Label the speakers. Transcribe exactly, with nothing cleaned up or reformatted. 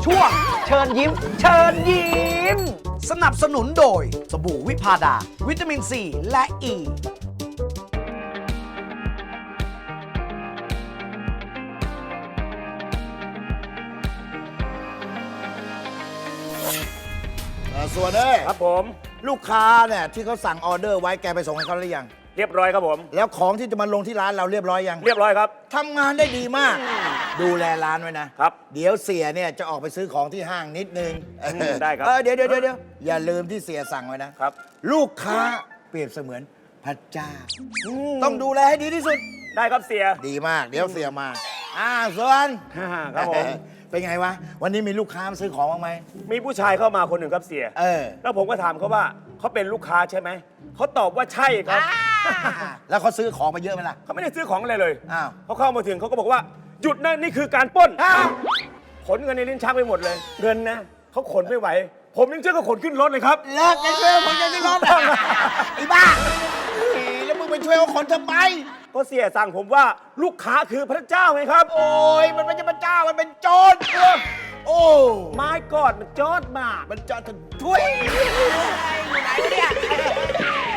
Speaker 1: ช่วงเชิญยิ้ม เชิญยิ้ม สนับสนุนโดยสบู่วิพาดา วิตามินซีและอ e. ี
Speaker 2: ส่วนเอ้ย
Speaker 3: ครับผม
Speaker 2: ลูกค้าเนี่ยที่เขาสั่งออเดอร์ไว้แกไปส่งให้เขาหรือยัง
Speaker 3: เรียบร้อยครับผม
Speaker 2: แล้วของที่จะมาลงที่ร้านเราเรียบร้อยยัง
Speaker 3: เรียบร้อยครับ
Speaker 2: ทำงานได้ดีมาก ดูแลร้านไว้นะครับ เดี๋ยวเสียเนี่ยจะออกไปซื้อของที่ห้างนิดนึง
Speaker 3: อืมได้ครับ
Speaker 2: เออเดี๋ยวเดี๋ยวเดี๋ยวอย่าลืมที่เสียสั่งไว้นะครับ ลูกค้าเปรียบเสมือนพระเจ้า ต้องดูแลให้ดีที่สุด
Speaker 3: ได้ครับเสีย
Speaker 2: ดีมาก เดี๋ยวเสียมาอ่าส่วน
Speaker 3: ครับผม
Speaker 2: เป็นไงวะ วันนี้มีลูกค้ามาซื้อของบ้างไหม
Speaker 3: มีผู้ชายเข้ามาคนหนึ่งครับเสีย
Speaker 2: เออ
Speaker 3: แล้วผมก็ถามเขาว่าเขาเป็นลูกค้าใช่ไหม เขาตอบว่าใช่ครับ
Speaker 2: แล้วเขาซื้อของมาเยอะไหมล่ะ
Speaker 3: เขาไม่ได้ซื้อของอะไรเลย
Speaker 2: อ้าว
Speaker 3: เขาเข้ามาถึงเขาก็บอกว่าหยุดนะนี่คือการปล้น
Speaker 2: อ้าว
Speaker 3: ขนเงินในลิ้นชักไปหมดเลย เงินนะเขาขนไม่ไหว ผมยังเชื่อเขาขนขึ้นรถเลยครับ
Speaker 2: เลิกกันช่วยคนจะได้รอดไอ้บ้าเฮ้ยแล้วมึงไปช่วยเอาคนทำไม
Speaker 3: ก็เสียสั่งผมว่าลูกค้าคือพระเจ้าไงครับ
Speaker 2: โอ้ยมันไม่ใช่พระเจ้ามันเป็นโจรโอ้
Speaker 3: ไม้กอดมันจอดมา
Speaker 2: มันจะช่วยอยู่ไหนวะเนี่ย